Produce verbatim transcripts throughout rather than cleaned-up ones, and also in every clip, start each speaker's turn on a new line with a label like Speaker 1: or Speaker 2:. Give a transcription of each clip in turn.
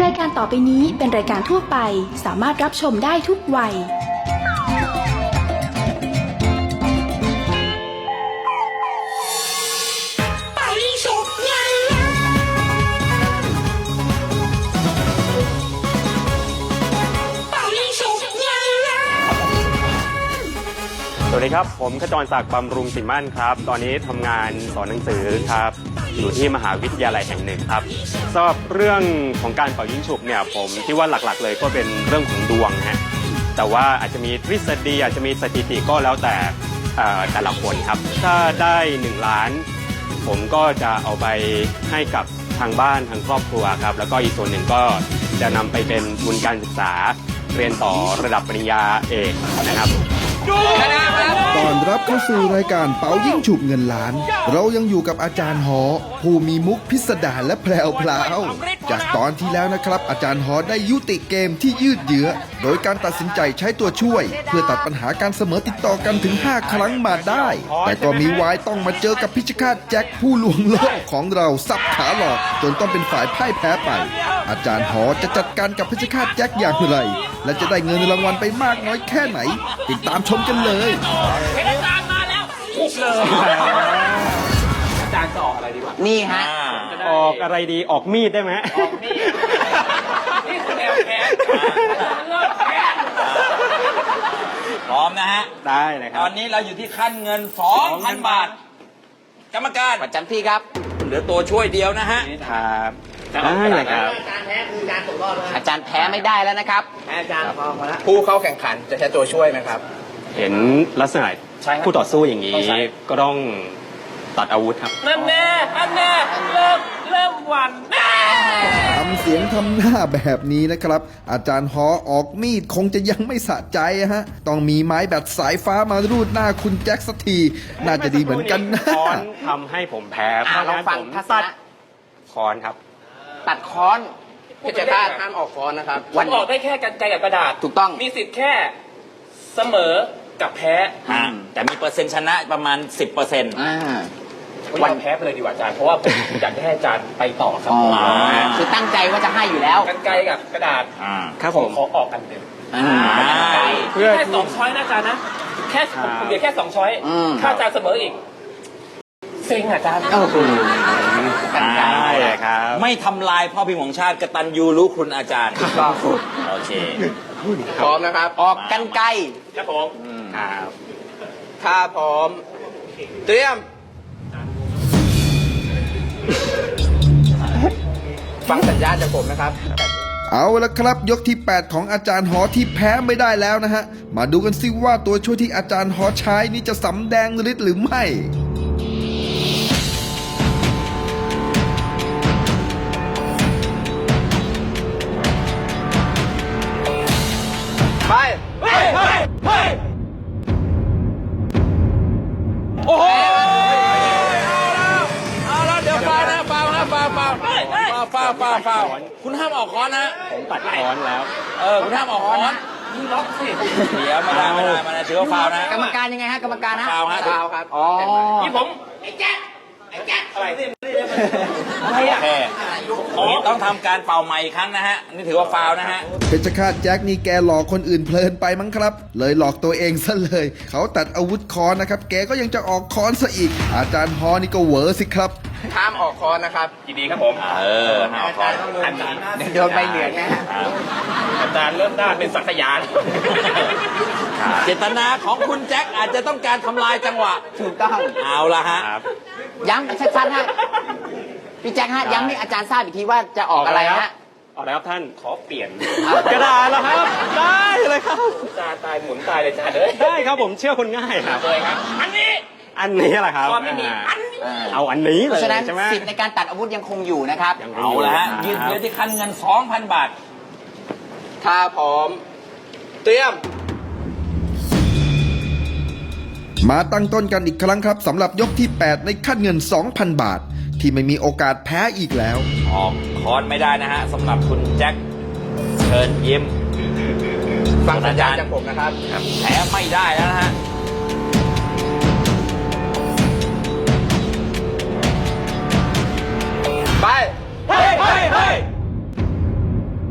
Speaker 1: รายการต่อไปนี้เป็นรายการทั่วไปสามารถรับชมได้ทุกวัย
Speaker 2: สวัสดีครับผมขจรศักดิ์บำรุงสิมั่นครับตอนนี้ทำงานสอนหนังสือครับอยู่ที่มหาวิทยาลัยแห่งหนึ่งครับสำหรับเรื่องของการเป่ายิงฉุบเนี่ยผมคิดว่าหลักๆเลยก็เป็นเรื่องของดวงฮะแต่ว่าอาจจะมีทฤษฎีอาจจะมีสถิติก็แล้วแต่แต่ละคนครับถ้าได้หนึ่งล้านผมก็จะเอาไปให้กับทางบ้านทางครอบครัวครับแล้วก็อีกส่วนหนึ่งก็จะนำไปเป็นทุนการศึกษาเรียนต่อระดับปริญญาเอกนะครับ
Speaker 3: ตอนรับเข้าสู่รายการเป๋ายิ่งฉุบเงินล้านเรายังอยู่กับอาจารย์หอผู้มีมุกพิสดารและแพรวพราวจากตอนที่แล้วนะครับอาจารย์หอได้ยุติเกมที่ยืดเยื้อโดยการตัดสินใจใช้ตัวช่วยเพื่อตัดปัญหาการเสมอติดต่อกันถึงห้าครั้งมาได้แต่ก็มีวายต้องมาเจอกับพิชคาตแจ็คผู้ลวงโลกของเราสับขาหลอกจนต้องเป็นฝ่ายพ่ายแพ้ไปอาจารย์หอจะจัดการกับพิชคาตแจ็คอย่างไรและจะได้เงินรางวัลไปมากน้อยแค่ไหนติดตามชมกันเลย
Speaker 4: อาจารย์มาแล้วปุ๊บเลยอาจารย์จะออกอะไรดีวะ
Speaker 5: นี่ฮะ
Speaker 2: ออกอะไรดีออกมีดได้ไหม
Speaker 4: ออกมีดนี่คือแนวแขนเลิกแขนพร้อมนะฮะ
Speaker 2: ได้เลยครับ
Speaker 4: ตอนนี้เราอยู่ที่ขั้นเงิน สองพัน บาทกรรมการ
Speaker 5: ประจำที่ครับ
Speaker 4: เหลือตัวช่วยเดียวนะฮะ
Speaker 2: ครับได้เลยครับ
Speaker 5: อาจารย์แพ้คือการตกรอบอาจารย์แพ้ไม่ได้แล้วนะครับ
Speaker 4: อาจารย์พอมาแล้วผู้เข้าแข่งขันจะใช้ตัวช่วยไหมครับ
Speaker 2: เห็นลักษณะผู้ต่อสู้อย่างนี้ก็ต้องตัดอาวุธครับ
Speaker 4: นั่นแน่นั่นแน่เริ่มเริ่มหวั่น
Speaker 3: ทำเสียงทำหน้าแบบนี้นะครับอาจารย์หอออกมีดคงจะยังไม่สะใจฮะต้องมีไม้แบตสายฟ้ามารูดหน้าคุณแจ็คสักทีน่าจะดีเหมือนกันนะ
Speaker 2: ค้อนทำให้ผมแพ้เพราะงั้นผมตัดค้อนครับ
Speaker 5: ตัดค้อน
Speaker 4: พิจารณาห้ามออกค้อนนะครับวันออกได้แค่กรรไกรกับกระดาษ
Speaker 5: ถูกต้อง
Speaker 4: มีสิทธิ์แค่เสมอกับแพ้แต่มีเปอร์เซ็นต์ชนะประมาณ สิบเปอร์เซ็นต์
Speaker 5: อ่า
Speaker 4: วันแพ้ไปเลยดีกว่าอาจารย์เพราะว่าผมอยากให้อาจารย์ไปต่อครับ
Speaker 5: คือตั้งใจว่าจะให้อยู่แล้ว
Speaker 4: กรรไกรกับกระดาษ
Speaker 2: ครับผม
Speaker 4: ขอออกกันเต็มเพื่อแค่สองช้อยนะอาจารย์นะแค่ผมเดียวแค่สองช้อยถ้าอาจารย์เสมออีกเซ็งอาจารย์
Speaker 5: โอ้โห
Speaker 2: ได้เลยครับ
Speaker 4: ไม่ทำลายพ่อพิมพ์ของชาติกตัญญูรู้คุณอาจารย์
Speaker 5: ก็
Speaker 4: โอเคพร้อมนะครับ
Speaker 5: ออกกันไกล
Speaker 4: ครับผมครับถ้าพร้อมเตรียมฟังสัญญาณจากผมนะครับ
Speaker 3: เอาละครับยกที่แปดของอาจารย์หอที่แพ้ไม่ได้แล้วนะฮะมาดูกันซิว่าตัวช่วยที่อาจารย์หอใช้นี้จะสำแดงฤทธิ์หรือไม่
Speaker 4: ไปเฮ้ยเฮ้ยเฮ้ยโอ้โหเอาแล้วเอาแล้วเดี๋ยวฟาวนะฟาวนะฟาวฟาวฟาวฟาวฟาวคุณห้ามออกค้อนนะ
Speaker 2: ผมตัดค้อนแล้ว
Speaker 4: เออคุณห้ามออกค้อนนี่ล็อกสิเดี๋ยวมาได้มาได้มาได้ถือว่าฟาวนะ
Speaker 5: กรรมการยังไงฮะกรรมการฮะ
Speaker 4: ฟาวฮะฟาวครับ
Speaker 5: อ๋อ
Speaker 4: ที่ผมไอ้แจ๊คไอ้แจ๊คอะไรอะไรอ่ะต้องทำการเป่าใหม่อีกครั้งนะฮะนี่ถือว่าฟาวนะฮะ
Speaker 3: เพชรฆาตแจ็คนี่แกหลอกคนอื่นเพลินไปมั้งครับเลยหลอกตัวเองซะเลยเขาตัดอาวุธค้อนนะครับแกก็ยังจะออกค้อนซะอีกอาจารย์ฮอนี่ก็เหวอสิครับ
Speaker 4: ห้ามออกค้อนนะครับยินดีครับผมเออห้ามออกค้อนอาจารย์
Speaker 5: โดนใบเหลืองนะฮะ
Speaker 4: อาจารย์เริ่มด้านเป็นสักยานเจตนาของคุณแจ็คอาจจะต้องการทำลายจังหวะ
Speaker 5: ถูกต้อง
Speaker 4: เอาละฮะ
Speaker 5: ย้ำชัดๆฮะพี่แจ็คฮะย้ำให้อาจารย์ทราบอีกทีว่าจะออกอะไรฮะ
Speaker 2: ออกแล้วครับท่าน
Speaker 4: ขอเปลี่ยน
Speaker 2: กระดาษแล้วครับได้เลยครับ
Speaker 4: จาตายหมุนตายเลยจ้าเลย
Speaker 2: ได้ครับผมเชื่อคนง่ายครับ
Speaker 4: เลยครับอันนี้
Speaker 2: อันนี้แหละครับ
Speaker 4: ไม่มีอันนี้
Speaker 2: เอาอันนี้เลย
Speaker 5: ใช่ไหมสิทธิ์ในการตัดอาวุธยังคงอยู่นะครับ
Speaker 4: เอาละฮะยืนเยื้อที่คันเงิน สองพัน บาทถ้าพร้อมเตรียม
Speaker 3: มาตั้งต้นกันอีกครั้งครับสำหรับยกที่แปดในขั้นเงิน สองพัน บาทที่ไม่มีโอกาสแพ้อีกแล้ว
Speaker 4: ออกค้อนไม่ได้นะฮะสำหรับคุณแจ็คเชิญยิ้มฟังสัญญาณจากผมนะครับแพ้ไม่ได้แล้วนะฮะไปเฮ้ยเฮ้ยเฮ้ย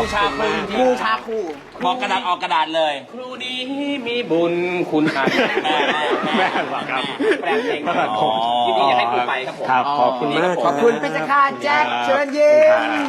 Speaker 4: ชาครูจริง
Speaker 5: บูชาครู
Speaker 4: บอกกระดาษออกกระดาษเลย
Speaker 2: ครูดีมีบุญคุณอาแม่แม่หรอครับแปลงเพลงครับผมยินดีจะให้ครูไปครับผมครับขอบคุณมาก
Speaker 5: ขอบคุณเพชรฆาตแจ็คเชิญยิ้ม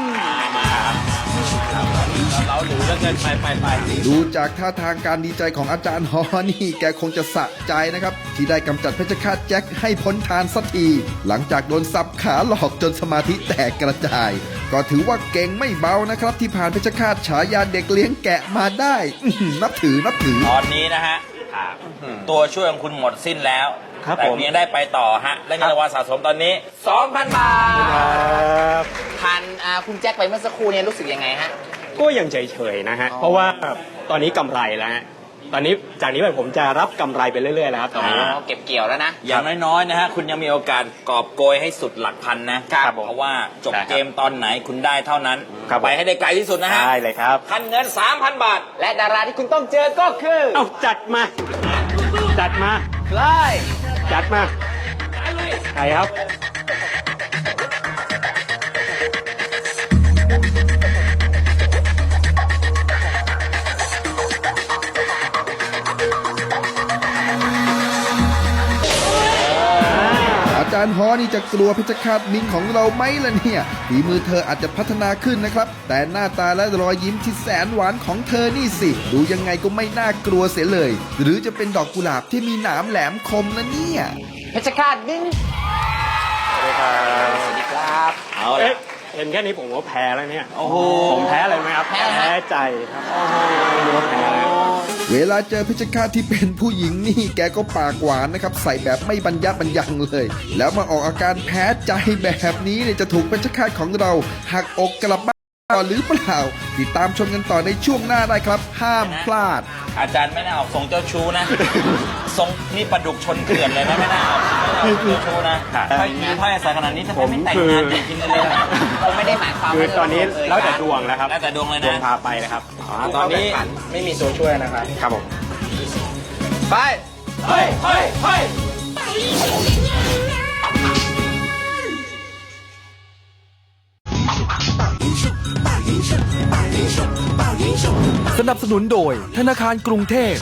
Speaker 4: เราหรูแล้วเกินไปไปไป
Speaker 3: ดูจากท่าทางการดีใจของอาจารย์ฮอนี่แกคงจะสะใจนะครับ ที่ได้กำจัดเพชรฆาตแจ็คให้พ้นทานสักที หลังจากโดนสับขาหลอกจนสมาธิแตกกระจาย ก็ถือว่าเก่งไม่เบานะครับ ที่ผ่านเพชรฆาตฉายาเด็กเลี้ยงแกะมาได้อื้อหือนับถือนับถือ
Speaker 4: ตอนนี้นะฮะตัวช่วยของคุณหมดสิ้นแล้ว
Speaker 2: ครับ
Speaker 4: แต่
Speaker 2: ผม
Speaker 4: ยังได้ไปต่อฮะและเงินรางวัลสะสมตอนนี้ สองพัน บาท
Speaker 5: ทานอ่าคุณแจ็คไปเมื่อสักครู่เนี่ยรู้สึกยังไงฮะ
Speaker 2: ก็ยังเฉยๆนะฮะเพราะว่าตอนนี้กำไรแล้วฮะตอนนี้จากนี้ไปผมจะรับกำไรไปเรื่อยๆแล้วครับตอนนี้
Speaker 5: เก็บเกี่ยวแล้วนะ
Speaker 4: อย่างน้อยๆนะฮะคุณยังมีโอกาสกอบโกยให้สุดหลักพันนะครับ
Speaker 2: ผม
Speaker 4: เพราะว่าจบ
Speaker 2: ได้ครับ
Speaker 4: เกมตอนไหนคุณได้เท่านั้น
Speaker 2: ครับผม
Speaker 4: ไปให้ได้ไกลที่สุดนะฮะ
Speaker 2: ได้เลยครับ
Speaker 4: คันเงิน สามพัน บาท
Speaker 5: และดาราที่คุณต้องเจอก็คือ
Speaker 2: เอาจัดมา จัดมา
Speaker 5: เลย
Speaker 2: จัดมาใครครับ
Speaker 3: อาจารย์ฮอนี่จะกลัวเพชรฆาตมิงของเราไหมล่ะเนี่ยฝีมือเธออาจจะพัฒนาขึ้นนะครับ แต่หน้าตาและรอยยิ้มที่แสนหวานของเธอนี่สิ ดูยังไงก็ไม่น่ากลัวเสียเลย หรือจะเป็นดอกกุหลาบที่มีหนามแหลมคมนะเนี่ย
Speaker 5: เพชรฆาตมิ้งสวัสดีครับ
Speaker 4: เอา
Speaker 2: เอ๊ะ
Speaker 4: ละ
Speaker 2: เห็นแค่นี้ผมว่าแพ้แล้วเนี่ย
Speaker 4: โอ้โห
Speaker 2: ผมแพ้อะไรไหมครับ
Speaker 5: แพ้อะไรฮะ
Speaker 2: ใจครับไม่รู้ว่าแพ้อะไร
Speaker 3: เวลาเจอเพชรฆาตที่เป็นผู้หญิงนี่แกก็ปากหวานนะครับ ใส่แบบไม่บรรยับบรรยังเลย แล้วมาออกอาการแพ้ใจแบบนี้เนี่ยจะถูกเพชรฆาตของเราหักอกกลับบ้านต่อหรือเปล่าติดตามชมกันต่อในช่วงหน้าได้ครับ ห้ามพลาด
Speaker 4: อาจารย์ไม่น่าออกทรงเจ้าชู้นะ ทรงนี่ปลาดุกชนเกลื่อนเลยนะไม่น่าออกไม่น่าออกเจ้าชู้นะถ้าคิดถ้าสายขนาดนี้ถ้าไม่แต่งงานจริงๆเลยนะ
Speaker 5: ผมไม่ได้หมายความ
Speaker 2: คือ
Speaker 5: ว่า
Speaker 2: ตอนนี้แล้วแต่ดวงแล้วครับ
Speaker 4: แล้วแต่ดวงเลย
Speaker 2: ดวง
Speaker 4: นะ
Speaker 2: พาไปเลยครับ
Speaker 4: ตอนนี้
Speaker 2: ไม่มีตัวช่วยนะครับ ครับผม
Speaker 5: ไป
Speaker 4: เฮ้ยเฮ้ยเฮ้ย
Speaker 6: สนับสนุนโดยธนาคารกรุงเทพ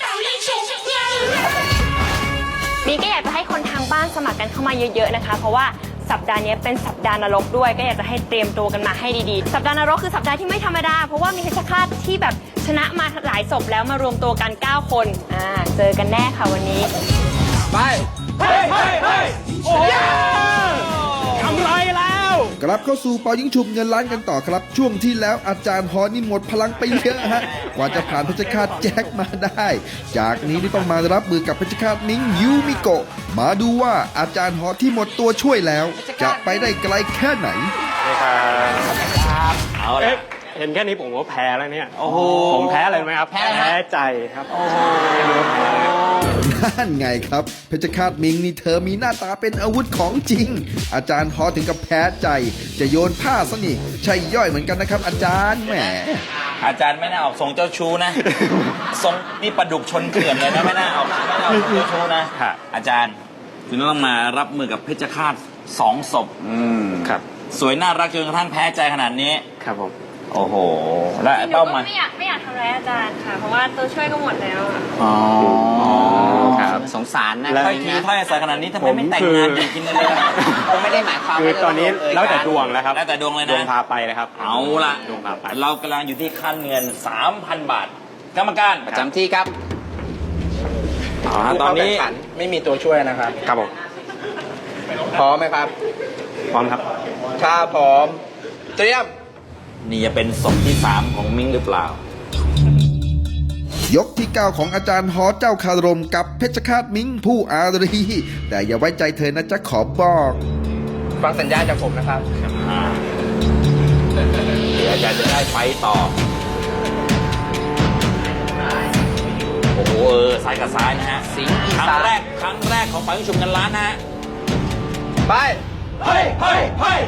Speaker 7: นี่ก็อยากจะให้คนทางบ้านสมัครกันเข้ามาเยอะๆนะคะ เพราะว่าสัปดาห์นี้เป็นสัปดาห์นรกด้วย ก็อยากจะให้เตรียมตัวกันมาให้ดีๆ สัปดาห์นรกคือสัปดาห์ที่ไม่ธรรมดา เพราะว่ามีเพชฌฆาตที่แบบชนะมาหลายศพแล้วมารวมตัวกันเก้าคนอ่าเจอกันแน่ค่ะวันนี้
Speaker 5: ไป
Speaker 4: เฮ้ยเฮ้ยเฮ้ยโอ้ย
Speaker 2: กำไรแล้ว
Speaker 3: กลับเข้าสู่เป่ายิงฉุบเงินล้านกันต่อครับ ช่วงที่แล้วอาจารย์ฮอนี่หมดพลังไปเยอะฮะกว่าจะผ่านเพชรฆาตแจ็คมาได้ จากนี้นี่ต้องมารับมือกับเพชรฆาตนิ้งยูมิโกะมาดูว่าอาจารย์ฮอที่หมดตัวช่วยแล้ว จะไปได้ไกลแค่ไหน
Speaker 4: เอาละ
Speaker 2: เอ๊ะเห็นแค่นี้ผมว่าแพ้แล้วเนี่ย
Speaker 4: โอ้โห
Speaker 2: ผมแพ้อะไรไหมครับ
Speaker 5: แพ้อะไรฮะ
Speaker 2: ใจครับไม่รู้ว่าแพ้อะไร
Speaker 3: นั่นไงครับ เพชรฆาตมิงนี่เธอมีหน้าตาเป็นอาวุธของจริง อาจารย์ฮอถึงกับแพ้ใจ จะโยนผ้าซะนี่ใช่ย่อยเหมือนกันนะครับ อาจารย์แหม
Speaker 4: อาจารย์ไม่น่าออกทรงเจ้าชู้นะ ทรงนี่ปลาดุกชนเกลื่อนเลยนะไม่น่าออกไม่น่าออกทรงเจ้าชู้นะ
Speaker 2: ครับ
Speaker 4: อาจารย์คุณต้องมารับมือกับเพชฌฆาตสองศพ
Speaker 2: ครับ
Speaker 4: สวยน่ารักจนกระทั่งแพ้ใจขนาดนี้
Speaker 2: ครับผม
Speaker 4: โอ้โห และ
Speaker 7: หนู
Speaker 4: เป้าห
Speaker 7: ก็
Speaker 4: มาย
Speaker 7: ไม่อยากไม่อยากทำร้ายอาจารย์ค่ะ เพราะว่าตัวช่วยก็หมดแล้วอะ
Speaker 4: อ๋อ
Speaker 5: ครับสงสารนะ
Speaker 4: ถ้อยทีถ้อยอาศัยขนาดนี้ทำไมไม่แต่งงานจริงๆเลย
Speaker 5: ผมไม่ได้หมายความ
Speaker 2: คือ
Speaker 5: ว่า
Speaker 2: ตอนนี้
Speaker 5: เย
Speaker 2: แล้วแต่
Speaker 5: กัน
Speaker 2: ดวงแล้วครับ
Speaker 4: แล้วแต่ดวงเลย
Speaker 2: ดวง
Speaker 4: นะ
Speaker 2: พาไปเลยครับ
Speaker 4: เอาละ
Speaker 2: ดวงพาไป
Speaker 4: เรากำลังอยู่ที่ขั้นเงิน สามพัน บาท กรรมการ
Speaker 5: ประจำที่ครับ
Speaker 4: อ่าตอนนี้
Speaker 2: ไม่มีตัวช่วยนะครับ ครับผม
Speaker 5: พร้อมไหมครับ
Speaker 2: พร้อมครับ
Speaker 5: ถ้าพร้อม เตรียม
Speaker 4: นี่จะเป็นศพที่สามของมิ้งหรือเปล่า
Speaker 3: ยกที่เก้าของอาจารย์ฮอเจ้าคารมกับเพชรฆาตมิงผู้อารี แต่อย่าไว้ใจเธอนะจ๊ะขอบอก
Speaker 5: ฟังสัญญาณจากผมนะครับ
Speaker 4: อ่าเดี๋ยวอาจารย์จะได้ไปต่อ โอ้โหเออซ้ายกับซ้ายนะฮะ
Speaker 5: สิงห์อี
Speaker 4: ครั้ง
Speaker 5: สาน
Speaker 4: แรก ครั้งแรกของฝ่ายผู้ชมกันล้านนะฮะ
Speaker 5: ไป
Speaker 4: เฮ้ยเฮ้ยเฮ้ย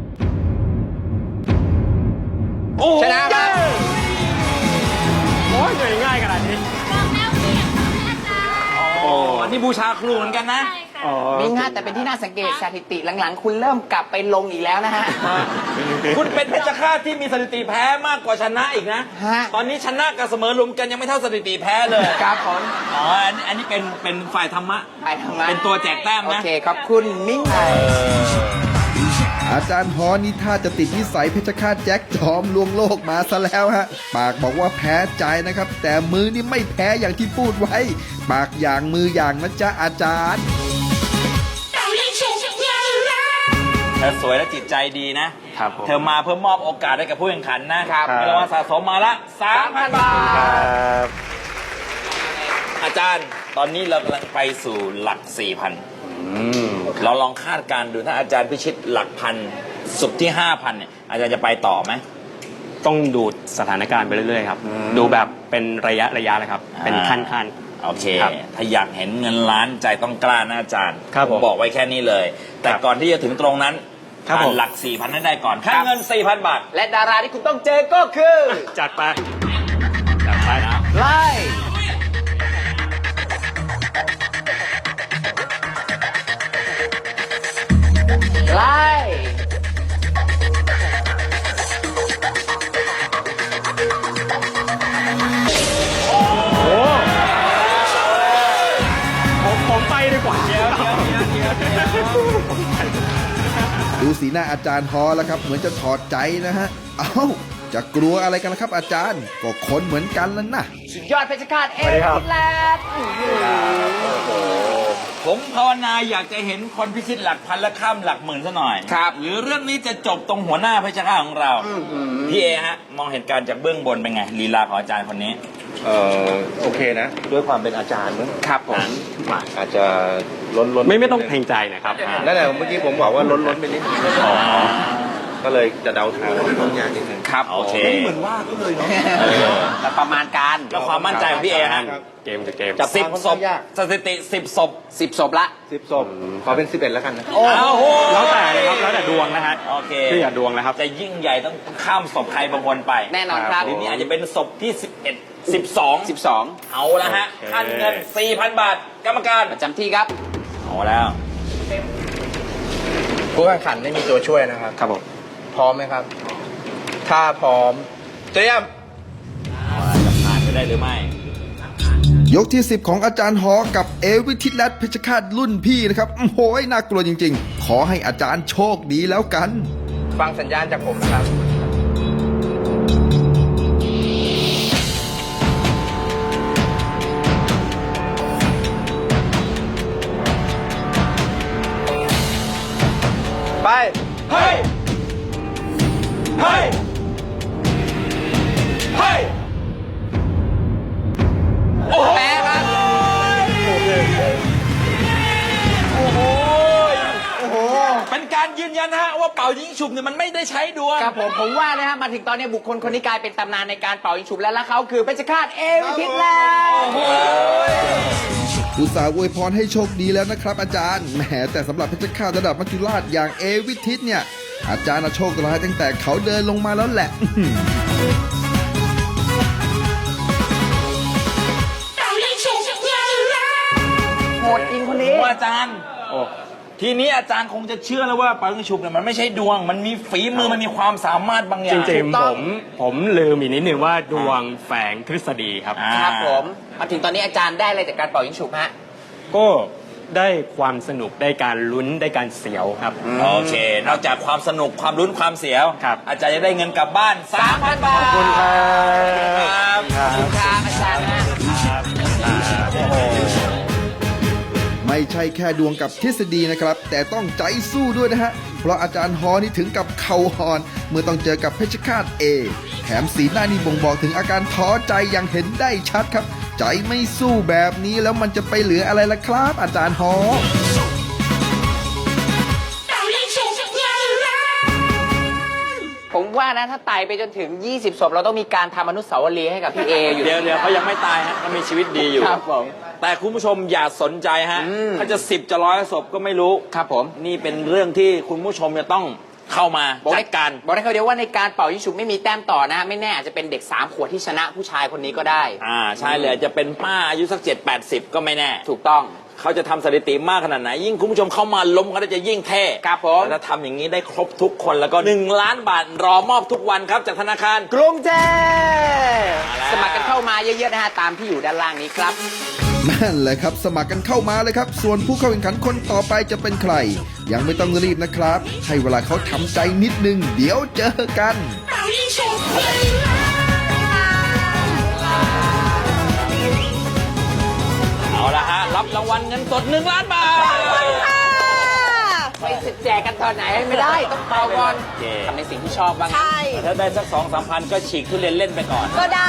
Speaker 4: โอ้โห
Speaker 5: ชนะครับ
Speaker 2: โอ้ยง่ายง่ายขนาดนี้
Speaker 4: โอ้อันนี้บูชาครูเหมือนกันนะ
Speaker 7: ใช่ค่ะ
Speaker 2: อ๋อ
Speaker 5: มิงฮะแต่เป็นที่น่าสังเกตสถิติหลังๆ คุณเริ่มกลับไปลงอีกแล้วนะฮะ
Speaker 4: คุณเป็นเพชรฆาตที่มีสถิติแพ้มากกว่าชนะอีกนะ
Speaker 5: ฮะ
Speaker 4: ตอนนี้ชนะกับเสมอรวมกันยังไม่เท่าสถิติแพ้เลย
Speaker 5: ครับผม
Speaker 4: อ๋ออันนี้อันนี้เป็นเป็นฝ่ายธรรมะ
Speaker 5: ไปทางมา
Speaker 4: เป็นตัวแจกแต้ม
Speaker 5: โอ
Speaker 4: นะ
Speaker 5: เคขอบคุณมิงไทย
Speaker 3: อาจารย์ฮอนี่ท่าจะติดนิสัยเพชรฆาตแจ็คจอมลวงโลกมาซะแล้วฮะ ปากบอกว่าแพ้ใจนะครับ แต่มือนี่ไม่แพ้อย่างที่พูดไว้ ปากอย่างมืออย่างนะจ๊ะอาจารย์
Speaker 4: เธอสวยและจิตใจดีนะ
Speaker 2: ครับผม
Speaker 4: เธอมาเพื่อมอบโอกาสให้กับผู้แข่งขันนะครับ
Speaker 2: ครับ
Speaker 4: มีรางวัลสะสมมาละ สามพัน บาท
Speaker 2: ครับ
Speaker 4: อาจารย์ตอนนี้เรากำลังไปสู่หลัก สี่พัน
Speaker 2: อืม
Speaker 4: เราลองคาดการณ์ดูถ้าอาจารย์พิชิตหลักพันสุดที่ ห้าพันเนี่ยอาจารย์จะไปต่อไหม
Speaker 2: ต้องดูสถานการณ์ไปเรื่อยๆครับ ดูแบบเป็นระยะระยะเลยครับ เป็นขั้นขั้น
Speaker 4: โอเค
Speaker 2: ครับ
Speaker 4: ถ้าอยากเห็นเงินล้านใจต้องกล้านะอาจารย์
Speaker 2: ครับผม
Speaker 4: บอกไว้แค่นี้เลย แต่
Speaker 2: ครับ
Speaker 4: ก่อนที่จะถึงตรงนั้น
Speaker 2: ครับ
Speaker 4: ผ่า
Speaker 2: ผ
Speaker 4: น
Speaker 2: ม
Speaker 4: หลัก สี่พัน นั้นได้ก่อนค่าเงิน สี่พัน บาท
Speaker 5: และดาราที่คุณต้องเจอก็คือ
Speaker 2: จัดไป จัดไปนะ
Speaker 5: ไล่ไล่
Speaker 2: ผมผมไปดีกว่า
Speaker 3: ดูสีหน้าอาจารย์ฮอแล้วครับ เหมือนจะถอดใจนะฮะ เอ้า จะกลัวอะไรกันล่ะครับ อาจารย์ ก็คนเหมือนกันแล้วนะ
Speaker 5: สุดยอดเพชรฆาตเอ
Speaker 2: สวัสดีครับ
Speaker 5: ฟินแลนด์
Speaker 4: ผมภาวนาอยากจะเห็นคนพิชิตหลักพันและข้ามหลักหมื่นซะหน่อย
Speaker 5: ครับ
Speaker 4: หรือเรื่องนี้จะจบตรงหัวหน้าเพชรฆาตของเรา พี่เอฮะ มองเหตุการณ์จากเบื้องบนเป็นไงลีลาของอาจารย์คนนี้
Speaker 8: เอ่อโอเคนะ ด้วยความเป็นอาจารย์มั้ง
Speaker 5: ครับผม
Speaker 8: อาจจะล้นล้น
Speaker 2: ไม่ไม่ต้องเพลงใจนะครับ
Speaker 8: นั่นแหละเมื่อกี้ผมบอกว่าล้นล้นไปนิดนึงก็เลยจะเดาทางต้องยากนิดนึง
Speaker 5: ครับ
Speaker 4: โอเค
Speaker 8: เหมือนว่าก็เลยเนาะ
Speaker 5: แต่ประมาณการ
Speaker 4: แล้วความมั่นใจของพี่เอฮะ
Speaker 2: เกมจะเกม
Speaker 8: จับ
Speaker 4: สิบ
Speaker 8: ค่อน
Speaker 4: ศ
Speaker 8: ข้า
Speaker 4: พ
Speaker 8: งยาก
Speaker 4: สถิติสิบศพ
Speaker 5: สิบศพละ
Speaker 8: สิบศพขอเป็นสิบเอ็ดแล้วกันนะ
Speaker 4: โอ้โห
Speaker 2: แล้วแต่เลยครับ แล้วแต่ดวงนะฮะ
Speaker 4: โอเค
Speaker 2: คืออย่าดวงนะครับ
Speaker 4: จะยิ่งใหญ่ต้องข้ามศพใครบางคนไป
Speaker 5: แน่นอนครับ
Speaker 4: หรือนี่อาจจะเป็นศพที่สิบเอ็ด สิบสอง
Speaker 5: สิบสอง
Speaker 4: เอาละฮะ
Speaker 2: โอเค
Speaker 4: ขั้นเงิน สี่พัน บาท กรรมการ
Speaker 5: ประจำที่ครับ
Speaker 4: เอาแล้ว
Speaker 8: ผู้แข่งขันไม่มีตัวช่วยนะครับ
Speaker 2: ครับผม
Speaker 8: พร้อมไหมครับ ถ้าพร้อม เตรียม
Speaker 4: จะผ่านไปได้หรือไม่
Speaker 3: ยกที่ สิบ ของอาจารย์ฮอกับเอวิทิตและเพชรฆาตรุ่นพี่นะครับโอ้โหน่ากลัวจริงๆ ขอให้อาจารย์โชคดีแล้วกัน
Speaker 8: ฟังสัญญาณจากผมนะครับ ไป
Speaker 4: เฮ้ย เฮ้ย เฮ้ย โอ้โห
Speaker 5: แปะครับ
Speaker 4: โอ้โห โอ้โห เป็นการยืนยันนะฮะว่าเป่ายิงฉุบเนี่ยมันไม่ได้ใช้ดวง
Speaker 5: ครับผมผมว่านะฮะมาถึงตอนนี้บุคคลคนนี้กลายเป็นตำนานในการเป่ายิงฉุบแล้วและเขาคือเพชรฆาตเอวิทิตแล้ว
Speaker 3: อุตส่าห์อวยพรให้โชคดีแล้วนะครับอาจารย์แหมแต่สำหรับเพชรฆาตระดับมัจจุราชอย่างเอวิทิตเนี่ย อาจารย์น่ะโชคร้ายตั้งแต่เขาเดินลงมาแล้วแหละ
Speaker 5: โหดจริงคน
Speaker 4: ผ
Speaker 5: นี้
Speaker 4: มว่าอาจารย์ ทีนี้อาจารย์คงจะเชื่อแล้วว่าเป่ายิงฉุบเนี่ยมันไม่ใช่ดวง มันมีฝีมือ มันมีความสามารถบางอ
Speaker 2: จ
Speaker 4: ย่าง
Speaker 2: ริง
Speaker 5: ถูก
Speaker 2: ๆ
Speaker 5: ต้
Speaker 2: ผ
Speaker 5: อง
Speaker 2: มผมลืมอีกนิดนึงว่าดวงแฝงทฤษฎีครับ
Speaker 4: อ่า
Speaker 5: ครับผมมาถึงตอนนี้อาจารย์ได้อะไรจากการเป่ายิงฉุบฮะ
Speaker 2: ก็ได้ความสนุกได้การลุ้นได้การเสียวครับ
Speaker 4: โอเค นอกจากความสนุกความลุ้นความเสียว
Speaker 2: ครับ
Speaker 4: อาจารย์จะได้เงินกลับบ้าน สามพัน บาท
Speaker 2: ขอบคุณครับ
Speaker 4: ครับ
Speaker 5: ขอบคุณครับอาจารย์นะ
Speaker 3: ไม่ใช่แค่ดวงกับทฤษฎีนะครับ แต่ต้องใจสู้ด้วยนะฮะ เพราะอาจารย์ฮอนี่ถึงกับเข่าหอนเมื่อต้องเจอกับเพชรฆาตเอแถมสีหน้านี่บ่งบอกถึงอาการท้อใจอย่างเห็นได้ชัดครับ ใจไม่สู้แบบนี้แล้วมันจะไปเหลืออะไรล่ะครับ อาจารย์ฮอ
Speaker 5: ผมว่านะถ้าไต่ไปจนถึง ยี่สิบ ศพเราต้องมีการทำอนุสาวรีย์ให้กับพี่เออยู่
Speaker 4: เดี๋ยวเดี๋ยวเขายังไม่ตายฮะเขามีชีวิตดีอยู่
Speaker 5: ครับผม
Speaker 4: แต่คุณผู้ชมอย่าสนใจฮะ
Speaker 5: อืม
Speaker 4: เขาจะสิบจะร้อยศพก็ไม่รู้
Speaker 5: ครับผม
Speaker 4: นี่เป็นเรื่องที่คุณผู้ชมจะต้องเข้ามา
Speaker 5: บอก
Speaker 4: จั
Speaker 5: ได้
Speaker 4: ดการ
Speaker 5: บอกได้เขาเดียวว่าในการเป่ายิงฉุบไม่มีแต้มต่อนะ ไม่แน่อาจจะเป็นเด็กสามขวดที่ชนะผู้ชายคนนี้ก็ได้
Speaker 4: อ่าใช่เลยจะเป็นป้าอายุสักเจ็ดแปดสิบก็ไม่แน่
Speaker 5: ถูกต้อง
Speaker 4: เขาจะทำสถิติมากขนาดไหนยิ่งคุณผู้ชมเข้ามาล้มเขาจะยิ่งเท่
Speaker 5: ครับผม
Speaker 4: ถ้าทำอย่างนี้ได้ครบทุกคนแล้วก็หนึ่งล้านบาทรอมอบทุกวันครับจากธนาคาร
Speaker 5: กรุงเทพ
Speaker 4: มาแล้ว
Speaker 5: สมัครกันเข้ามาเยอะๆนะฮะตามที่อยู่ด้านล่างนี้ครับ
Speaker 3: นั่นแหละครับ สมัครกันเข้ามาเลยครับ ส่วนผู้เข้าแข่งขันคนต่อไปจะเป็นใคร ยังไม่ต้องรีบนะครับ ให้เวลาเขาทำใจนิดนึง เดี๋ยวเจอกัน
Speaker 4: เอาละฮะรับรางวัลเงินสดหนึ่งล้านบาท
Speaker 5: ไปแจกกันตอนไหนไม่ได้ต้องเป่าก่อน
Speaker 4: โอเค
Speaker 5: ทำในสิ่งที่ชอบบ้าง
Speaker 7: ใช่
Speaker 4: ถ้าได้สักสองสามพันก็ฉีกทุเรียนเล่นไปก่อน
Speaker 7: ก็ได้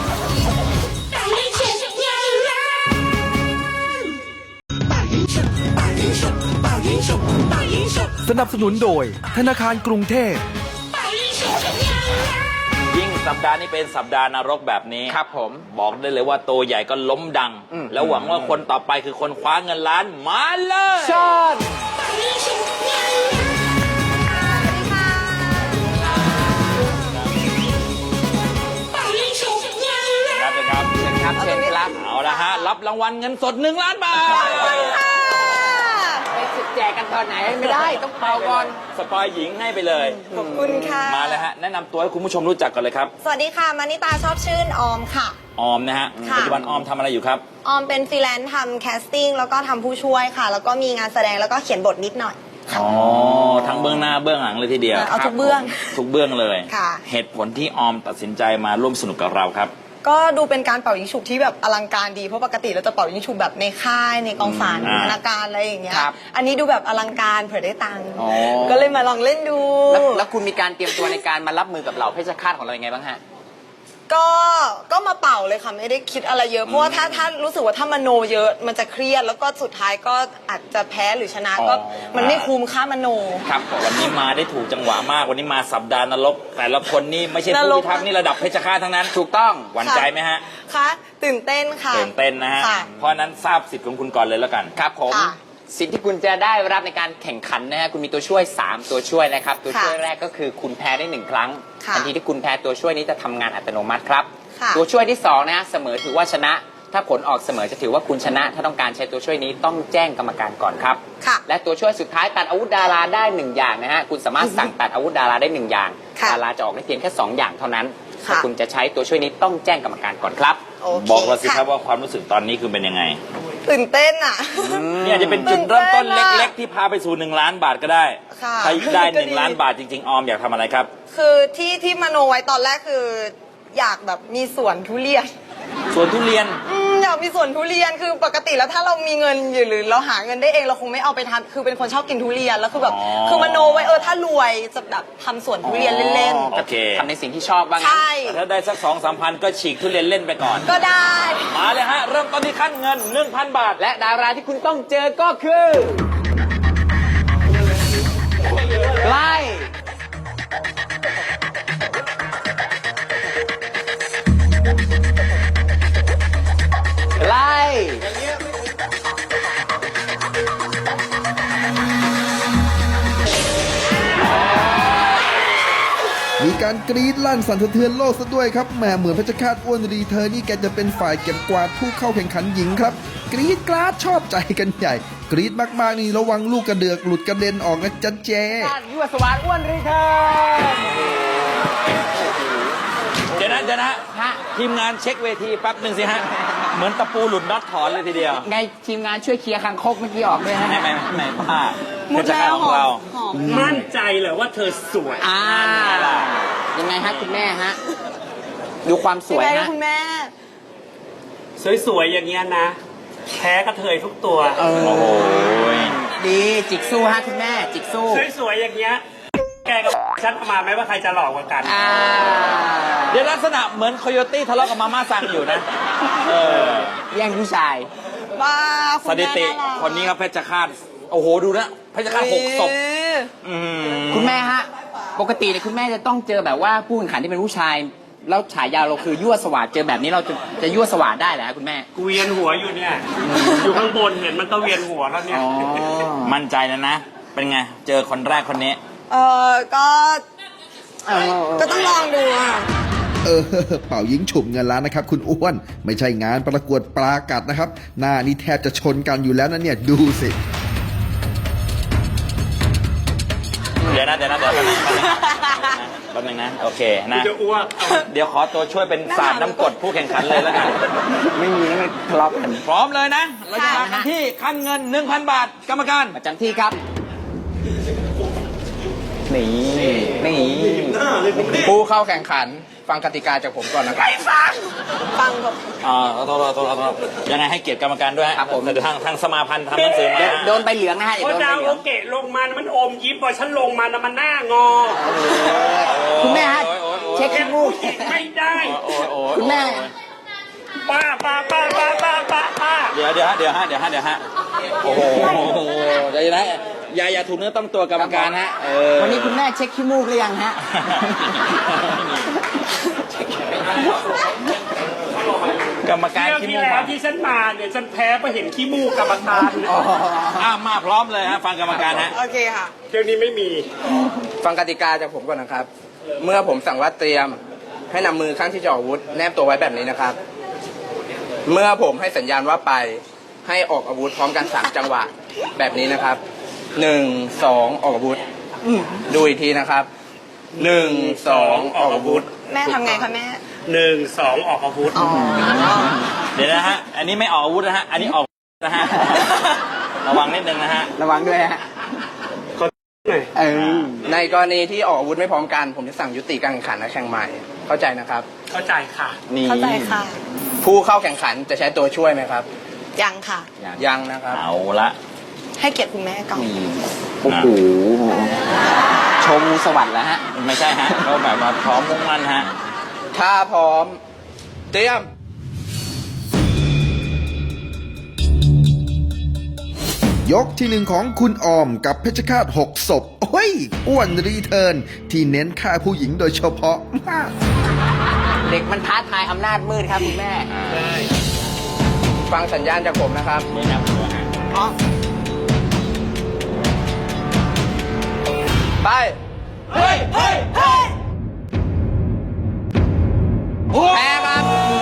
Speaker 6: สนับสนุนโดยธนาคารกรุงเทพ
Speaker 4: ยิ่งสัปดาห์นี้เป็นสัปดาห์นรกแบบนี้
Speaker 5: ครับผม
Speaker 4: บอกได้เลยว่าตัวใหญ่ก็ล้มดัง
Speaker 5: อืม
Speaker 4: แล้วหวังว่าคนต่อไปคือคนคว้าเงินล้านมาเลย
Speaker 5: ชอน
Speaker 4: ครับครับ
Speaker 5: เชิญครับเชิญครับ
Speaker 4: เอาละฮะรับรางวัลเงินสดหนึ่งล้านบาท
Speaker 5: ไปแจกกันตอนไหนไม่ได้ต้องเป่าก่อน
Speaker 4: สปอยหญิงให้ไปเลย
Speaker 9: ขอบคุณค่ะ
Speaker 4: มาเลยฮะแนะนำตัวให้คุณผู้ชมรู้จักกันเลยครับ
Speaker 9: สวัสดีค่ะมานิตาชอบชื่นออมค่ะ
Speaker 4: ออมนะฮะ
Speaker 9: ค่ะ
Speaker 4: ปัจจุบันออมทำอะไรอยู่ครับ
Speaker 9: ออมเป็นฟรีแลนซ์ทำแคสติ้งแล้วก็ทำผู้ช่วยค่ะ แล้วก็มีงานแสดงแล้วก็เขียนบทนิดหน่อย
Speaker 4: อ๋อทั้งเบื้องหน้าเบื้องหลังเลยทีเดียว
Speaker 9: เอาทุกเบื้อง
Speaker 4: ทุกเบื้องเลย
Speaker 9: ค่ะ
Speaker 4: เหตุผลที่ออมตัดสินใจมาร่วมสนุกกับเราครับ
Speaker 9: ก็ดูเป็นการเป่ายิงฉุบที่แบบอลังการดีเพราะปกติเราจะเป่ายิงฉุบแบบในค่ายในกองสาร
Speaker 4: อ่า
Speaker 9: ธนาการอะไรอย่างเงี้ย
Speaker 5: ครับ
Speaker 9: อันนี้ดูแบบอลังการเผื่อได้ตังค์
Speaker 5: อ๋อ
Speaker 9: ก็เลยมาลองเล่นดู
Speaker 5: แล้วแล้วคุณมีการเตรียมตัวในการมารับมือกับเหล่าเพชฌฆาตของเรายังไงบ้างฮะ
Speaker 9: ก็ก็มาเป่าเลยค่ะไม่ได้คิดอะไรเยอะเพราะว่าถ้าถ้ารู้สึกว่าถ้ามโนเยอะมันจะเครียดแล้วก็สุดท้ายก็อาจจะแพ้หรือชนะก็
Speaker 4: อ๋อ
Speaker 9: มันไม่คุ้มค่ามโน
Speaker 4: ครับวันนี้มาได้ถูกจังหวะมากวันนี้มาสัปดาห์นรกแต่ละคนนี่ไม่ใช่
Speaker 9: น
Speaker 4: ผู้
Speaker 9: รก
Speaker 4: พิทักษ์นี่ระดับเพชฌฆาตทั้งนั้น
Speaker 5: ถูกต้อง
Speaker 4: หวั่นใจไหมฮะ
Speaker 9: คะตื่นเต้นค่ะ
Speaker 4: ตื่นเต้นนะฮะ
Speaker 9: ค่ะ
Speaker 4: เพราะฉะนั้นทราบสิทธิ์ของคุณก่อนเลยแล้วกัน
Speaker 5: ครับผม
Speaker 9: ค่ะ
Speaker 5: สิ่งที่คุณจะได้รับในการแข่งขันนะฮะคุณมีตัวช่วยสามตัวช่วยนะครับตัวช่วย
Speaker 9: ค่ะ
Speaker 5: แรกก็คือคุณแพ้ได้หนึ่งครั้ง
Speaker 9: ค่ะ
Speaker 5: ทันทีที่คุณแพ้ตัวช่วยนี้จะทำงานอัตโนมัติครับ
Speaker 9: ค่ะ
Speaker 5: ตัวช่วยที่สองนะฮะเสมอถือว่าชนะ ถ้าผลออกเสมอจะถือว่าคุณชนะ ถ้าต้องการใช้ตัวช่วยนี้ต้องแจ้งกรรมการก่อนครับ
Speaker 9: ค่ะ
Speaker 5: และตัวช่วยสุดท้ายตัดอาวุธดาราได้หนึ่งอย่างนะฮะคุณสามารถสั่งตัดอาวุธดาราได้หนึ่งอย่าง
Speaker 9: ค่ะ
Speaker 5: ดาราจะออกได้เพียงแค่สองอย่างเท่านั้น
Speaker 9: ค่ะ
Speaker 5: ถ้าคุณจะใช้ตัวช่วยนี้ต้องแจ้งกรรมการก่อนครับ
Speaker 9: โอเค
Speaker 4: บอกเราสิครับ
Speaker 9: ะ
Speaker 4: ว่าความรู้สึกตอนนี้คือเป็นยังไง
Speaker 9: ตื่นเต้นอ่ะ
Speaker 4: เนี่ยจะเป็นจุดเริ่มต้นเล็ก ๆ ที่พาไปสู่หนึ่งล้านบาทก็ได้
Speaker 9: ค่ะ
Speaker 4: ถ้าได้ห
Speaker 9: ก็
Speaker 4: นึ่ง
Speaker 9: ดี
Speaker 4: ล้านบาทจริง ๆ ออมอยากทำอะไรครับ
Speaker 9: คือที่ที่มโนไว้ตอนแรกคืออยากแบบมีสวนทุเรียน
Speaker 4: สวนทุเรียน
Speaker 9: อืมอยากมีสวนทุเรียนคือปกติแล้วถ้าเรามีเงินอยู่หรือเราหาเงินได้เองเราคงไม่เอาไปทำคือเป็นคนชอบกินทุเรียนแล้วคือแบบ
Speaker 4: อ๋อ
Speaker 9: คือมโนไว้เออถ้ารวยจะแบบทำสวนทุเรียนเล่น
Speaker 4: โอเค
Speaker 5: ทำในสิ่งที่ชอบบ้าง
Speaker 9: ๆ ใช่
Speaker 4: แต่ถ้าได้สักสองสามพันก็ฉีกทุเรียนเล่นไปก่อน
Speaker 9: ก็ได้
Speaker 4: มาเลยฮะ เริ่มต้นที่ขั้นเงิน หนึ่งพัน บาท
Speaker 5: และดาราที่คุณต้องเจอก็คือใกล้ใกล้
Speaker 3: มีการกรี๊ดลั่นสั่นสะเทือนโลกซะด้วยครับแหมเหมือนเพชรฆาตอ้วนรีเธอนี่แกจะเป็นฝ่ายเก็บกวาดผู้เข้าแข่งขันหญิงครับ กรี๊ดกราดชอบใจกันใหญ่ กรี๊ดมากๆนี่ระวังลูกกระเดือกหลุดกระเด็นออกนะจ๊ะเจ
Speaker 5: ยั่วสวรรค์อ้วนรีเทิร์น
Speaker 4: เดี๋ยวนะเดี๋ยวนะ
Speaker 5: ฮะ
Speaker 4: ทีมงานเช็คเวทีแป๊บหนึ่งสิฮะ เหมือนตะปูหลุดน็อตถอนเลยทีเดียว
Speaker 5: ไงทีมงานช่วยเคลียร์คางคกเมื่อกี้ออกด้วยฮะ
Speaker 4: ไม่ไม่ไม่ไม่ป้า
Speaker 9: มุด
Speaker 4: เพชร
Speaker 9: แล้
Speaker 4: ฆาต
Speaker 9: ว
Speaker 4: ของเรา
Speaker 9: หอม
Speaker 2: มั่นใจเลยว่าเธอสวย
Speaker 5: อ่ายังไงฮะคุณแม่ฮะ ดูความส
Speaker 9: พี่
Speaker 5: วย
Speaker 9: แม่ก็
Speaker 5: ฮะ
Speaker 9: คุณแม่
Speaker 2: สวยๆอย่างเงี้ยนะแพ้กระเทยทุกตัว
Speaker 5: เออ
Speaker 4: โอ้โห
Speaker 5: ดีจิกสู้ฮะคุณแม่ จิกสู้
Speaker 2: สวยๆอย่างเงี้ยแกกับฉันเอามาไหมว่าใครจะหลอกกว่ากัน
Speaker 5: อ่า
Speaker 4: เดี๋ยวลักษณะเหมือนโคโยตี้ทะเลาะกับมาม่าซังอยู่นะ เออ
Speaker 5: แย่งผู้ชาย
Speaker 9: บ้าคุ
Speaker 4: ส
Speaker 9: ณแม่
Speaker 4: ถิติ
Speaker 9: ารัก
Speaker 4: คนนี้ครับเพชรฆาต โอ้โห ดูนะ เพชรฆาตหกศพ
Speaker 9: เออ
Speaker 4: อืม
Speaker 5: คุณแม่ฮะ ปกติเนี่ยคุณแม่จะต้องเจอแบบว่าผู้แข่งขันที่เป็นผู้ชาย แล้วฉายาเราคือยั่วสวาดเจอแบบนี้เราจะจะยั่วสวาดได้เหรอฮะคุณแม่
Speaker 2: กูเวียนหัวอยู่เนี่ย อยู่ข้างบนเห็นมันก็เวียนหัวแล้วเนี่ย
Speaker 5: อ๋อ
Speaker 4: มั่นใจแล้วนะ เป็นไง เจอคนแรกคนนี้
Speaker 9: เออก็ ก็ต้องลองดูอ่ะ
Speaker 3: เออเป่ายิงฉุบเงินล้านนะครับ คุณอ้วน ไม่ใช่งานประกวดปลากัดนะครับ หน้านี่แทบจะชนกันอยู่แล้วนะเนี่ยดูสิ
Speaker 4: เดี๋ยวนะเดี๋ยวนะเดี๋ยวนะแป๊บนึงนะโอเคนะ
Speaker 2: จะอ้วก
Speaker 4: เดี๋ยวขอตัวช่วยเป็นศาสตร์น้ำกรดผู้แข่งขันเลยแล้วกัน
Speaker 5: ไม่มีไม่ทะเลาะกัน
Speaker 4: พร้อมเลยนะ เราจะมากันที่ขั้นเงิน หนึ่งพัน บาท กรรมการ
Speaker 5: ประจำที่ครับ นี่ นี่
Speaker 10: ผู้เข้าแข่งขันฟังกติกาจากผมก่อนนะครับ
Speaker 9: ฟังแบบ
Speaker 4: อ่าโทษโทษโทษโทษยังไงให้เกียรติกรรมการด้วยฮะ
Speaker 5: ครับผม
Speaker 4: เดี๋ยวทางทางสมาพันธ์ทำหนังสือมา
Speaker 5: โดนโดนใบเหลืองนะฮะอย่า
Speaker 2: พอ
Speaker 5: โดนใบ
Speaker 2: ดาว
Speaker 5: เหลื
Speaker 2: โอ
Speaker 5: อง
Speaker 2: เกะลงมามันอมยิ้มพอฉันลงมานะมันหน้างอ
Speaker 5: คุณแม่ฮะ
Speaker 4: โอ้ยโอ้ยโอ้ย
Speaker 5: เช็คขี้มูก
Speaker 2: ไม่ได้
Speaker 4: โอ้ยโอ้ย
Speaker 5: คุณแม่
Speaker 2: ป้าป้าป้าป้าป้าป้าป้า
Speaker 4: เดี๋ยวเดี๋ยวฮะเดี๋ยวฮะเดี๋ยวฮะเดี๋ยวฮะโอ้โหเดี๋ยวนะอย่าอย่าถูกเนื้อต้องตัวกรรมการฮะเออ
Speaker 5: วันนี้คุณแม่เช็คขี้มูกหรือยังฮะ
Speaker 4: กรรมการ
Speaker 2: เที่ยว
Speaker 4: ขี้
Speaker 2: ที่
Speaker 4: มูก
Speaker 2: แล้
Speaker 4: มาว
Speaker 2: ที่ฉันมาเนี่ยฉันแพ้ไปเห็นขี้มูกกรรมการ
Speaker 4: อ้าวมาพร้อมเลยฮะฟังกรรมการฮะ
Speaker 9: โอเคค่ะ
Speaker 2: เที่ยวนี้ไม่มี
Speaker 10: ฟังกติกาจากผมก่อนนะครับ เมื่อผมสั่งว่าเตรียมให้นำมือข้างที่จะออกอาวุธแนบตัวไว้แบบนี้นะครับ เมื่อผมให้สัญญาณว่าไปให้ออกอาวุธพร้อมกันสามจังหวะแบบนี้นะครับหนึ่งสองออกอาวุธดูอีกทีนะครับหนึ่งสองออกอาวุธ
Speaker 9: แม่ทำไงคะแม่
Speaker 2: หนึ่งสองออกอาวุธ
Speaker 9: อ๋อ
Speaker 4: เดี๋ยวนะฮะอันนี้ไม่ออกอาวุธนะฮะอันนี้ออกนะฮะระวังนิดนึงนะฮะ
Speaker 5: ระวังด้วยฮะ
Speaker 2: หน่อย
Speaker 5: เออ
Speaker 10: ในกรณีที่ออกอาวุธไม่พร้อมกัน ผมจะสั่งยุติการแข่งขันและแข่งใหม่ เข้าใจนะครับ
Speaker 2: เข้าใจค่ะ
Speaker 5: นี่
Speaker 9: เข้าใจค่ะ
Speaker 10: ผู้เข้าแข่งขันจะใช้ตัวช่วยไหมครับ
Speaker 9: ยังค่ะ
Speaker 10: ยังนะครับ
Speaker 4: เอาละ
Speaker 9: ให้เกียรติคุณแม่ก่อน
Speaker 5: นี่โอ้โหชมสวัสดิ์แล้วฮะ
Speaker 4: ไม่ใช่ฮะเขาแบบว่าพร้อมมุ่งมั่นฮะ
Speaker 10: ถ้าพร้อมเตรียม
Speaker 3: ยกที่หนึ่งของคุณออมกับเพชรฆาตหกศพโอ้ยอ้วนรีเทิร์นที่เน้นฆ่าผู้หญิงโดยเฉพาะมาก
Speaker 5: เด็กมันท้าทายอำนาจมืดครับคุณแม่
Speaker 10: ฟังสัญญาณจากผมนะครับ
Speaker 4: ไม่นับเลยฮะ
Speaker 10: ไป
Speaker 5: เฮ้ยเฮ้ยเฮ้ย
Speaker 10: แพ้ครับ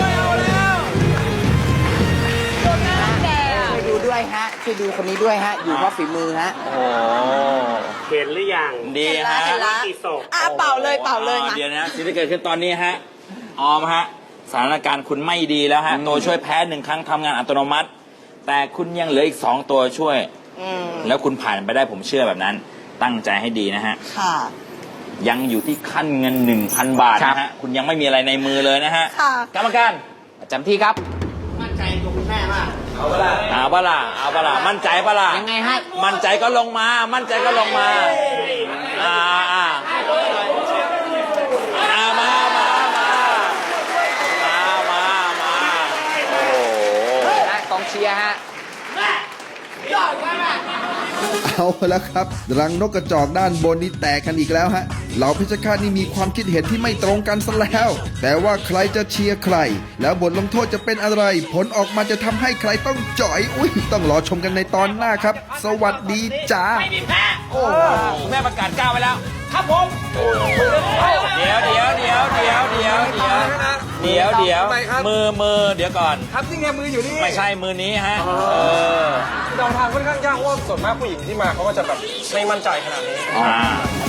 Speaker 5: ช่วยดูด้วยฮะช่วยดูคนนี้ด้วยฮะ อยู่เพราะฝีมือฮะ
Speaker 4: โอ้
Speaker 2: เห็นหรือยัง
Speaker 4: ดี
Speaker 9: เห็นละ
Speaker 4: ฮะ
Speaker 9: เห็นละ
Speaker 2: กี่ศพ
Speaker 9: อ่ะเป่าเลยเป่าเลยมา
Speaker 4: เดี๋ยวนะสิ่งที่เกิดขึ้นตอนนี้ฮะออมฮะสถานการณ์คุณไม่ดีแล้วฮะตัวช่วยแพ้หนึ่งครั้งทำงานอัตโนมัติ แต่คุณยังเหลืออีกสองตัวช่วย
Speaker 9: อืม
Speaker 4: แล้วคุณผ่านไปได้ผมเชื่อแบบนั้น ตั้งใจให้ดีนะฮะ
Speaker 9: ค่ะ
Speaker 4: ยังอยู่ที่ขั้นเงิน หนึ่งพัน บาทนะฮะคุณยังไม่มีอะไรในมือเลยนะฮะ
Speaker 9: ค่ะ
Speaker 4: กรรมการ
Speaker 5: ประจำที่ครับ
Speaker 4: เอาปะล่ะเอาปะล่ะเอาปะล่ะมั่นใจปะล่ะ
Speaker 5: ยังไงฮะ
Speaker 4: มั่นใจก็ลงมา มั่นใจก็ลงมาอ่าอ่าอ่ามามามามามามาโอ้โห
Speaker 5: และกองเชียร์ฮะ
Speaker 3: เอาแล้วครับ รังนกกระจอกด้านบนนี่แตกกันอีกแล้วฮะเหล่าเพชรฆาตนี่มีความคิดเห็นที่ไม่ตรงกันซะแล้ว แต่ว่าใครจะเชียร์ใคร แล้วบทลงโทษจะเป็นอะไร ผลออกมาจะทำให้ใครต้องจ่อย อุ้ยต้องรอชมกันในตอนหน้าครับ สวัสดีจ้า
Speaker 4: ไม่มีแพ้โอ้แม่ประกาศก้าวไปแล้ว ครับผมเดี๋ยวเดี๋ยวเดี๋ยวเดี๋ยวเดี๋ยวเดี๋ยวเดี๋ยวเดี๋ยวมือมือเดี๋ยวก่อน
Speaker 10: ครับนี่ไงมืออยู่นี่
Speaker 4: ไม่ใช่มือนี้ฮะเออ
Speaker 10: เดาทางค่อนข้างยากเพราะว่าส่วนมากผู้หญิงที่มาเขาก็จะแบบไม่มั่นใจขนาดนี้
Speaker 4: อ่า